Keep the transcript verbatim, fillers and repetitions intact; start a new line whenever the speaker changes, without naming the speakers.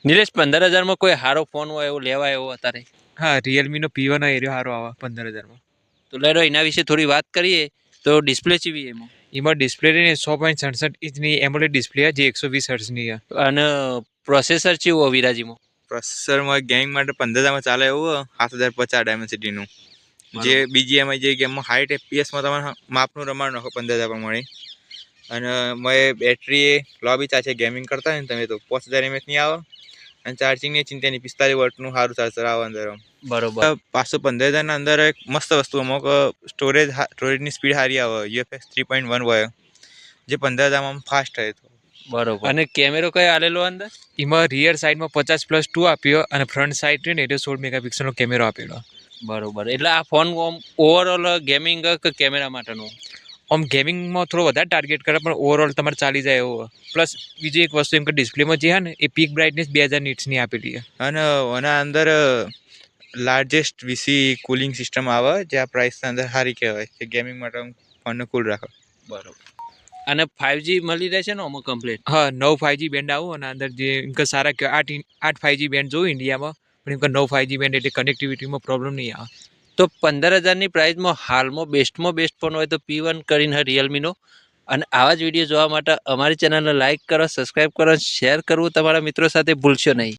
નિલેશ, પંદર હજારમાં કોઈ સારો ફોન હોય એવો લેવાય એવો અત્યારે?
હા, રિયલમીનો પી વન એરિયો સારો આવે પંદર હજારમાં.
તો લેરો એના વિશે થોડી વાત કરીએ. તો ડિસ્પ્લે ચેવી એમાં?
એમાં ડિસ્પ્લે સો પોઈન્ટ સડસઠ ઇંચની એમોલેડ ડિસ્પ્લે જે એકસો વીસ હર્ટ્ઝની છે.
અને પ્રોસેસર ચેવું વિરાજીમાં?
પ્રોસેસરમાં ગેમિંગ માટે પંદર હજારમાં ચાલે એવું સાત હજાર પચાસ ડાયમેન્સિટીનું, જે બીજીએમઆઈ જે ગેમમાં હાઈટ એફપીએસમાં તમારે માપનું રમાડ નાખો પંદર હજાર પ્રમાણે. અને મેં બેટરી લો બી ચાલશે ગેમિંગ કરતા હોય ને તમે તો પાંચ હજાર એમએચની આવે. અને ચાર્જિંગની ચિંતાની પિસ્તાલીસ વોટનું સારું ચાર્જર આવે અંદર.
બરોબર.
પાંચસો પંદર હજારના અંદર એક મસ્ત વસ્તુ અમુક સ્ટોરેજ સ્ટોરેજની સ્પીડ સારી આવે યુએફએસ થ્રી પોઈન્ટ વન હોય, જે પંદર હજારમાં ફાસ્ટ થાય.
બરોબર. અને કેમેરો કયો આલેલો અંદર?
એમાં રિયર સાઈડમાં પચાસ પ્લસ ટુ આપ્યો અને ફ્રન્ટ સાઈડ ને એટલે સોળ મેગાપિક્સલનો કેમેરો આપેલો.
બરોબર. એટલે આ ફોન ઓવરઓલ ગેમિંગ કે કેમેરા માટેનો?
આમ ગેમિંગમાં થોડો વધારે ટાર્ગેટ કરે પણ ઓવરઓલ તમારે ચાલી જાય એવો. પ્લસ બીજી એક વસ્તુ એમ કે ડિસ્પ્લેમાં જે છે ને એ પીક બ્રાઇટનેસ બે હજાર નીટ્સની આપેલી છે.
અને એના અંદર લાર્જેસ્ટ વીસી કુલિંગ સિસ્ટમ આવે, જે આ પ્રાઇસના અંદર સારી કહેવાય કે ગેમિંગ માટે ફોનને કુલ રાખો.
બરોબર. અને ફાઇવજી મળી રહેશે ને આમાં કમ્પ્લીટ?
હા, નવ ફાઈવજી બેન્ડ આવું અને અંદર જે એમ કે સારા કે આઠ આઠ ફાઈવજી બેન્ડ જોયું ઇન્ડિયામાં, પણ એમ કે નવ ફાઈવજી બેન્ડ એટલે કનેક્ટિવિટીમાં પ્રોબ્લેમ નહીં આવે.
તો પંદર હજારની પ્રાઇસમાં હાલમાં બેસ્ટમાં બેસ્ટ ફોન હોય તો પી વન કરીને રિયલમીનો. અને આવા જ વિડીયો જોવા માટે અમારી ચેનલને લાઇક કરો, સબસ્ક્રાઈબ કરો, શેર કરવું તમારા મિત્રો સાથે ભૂલશો નહીં.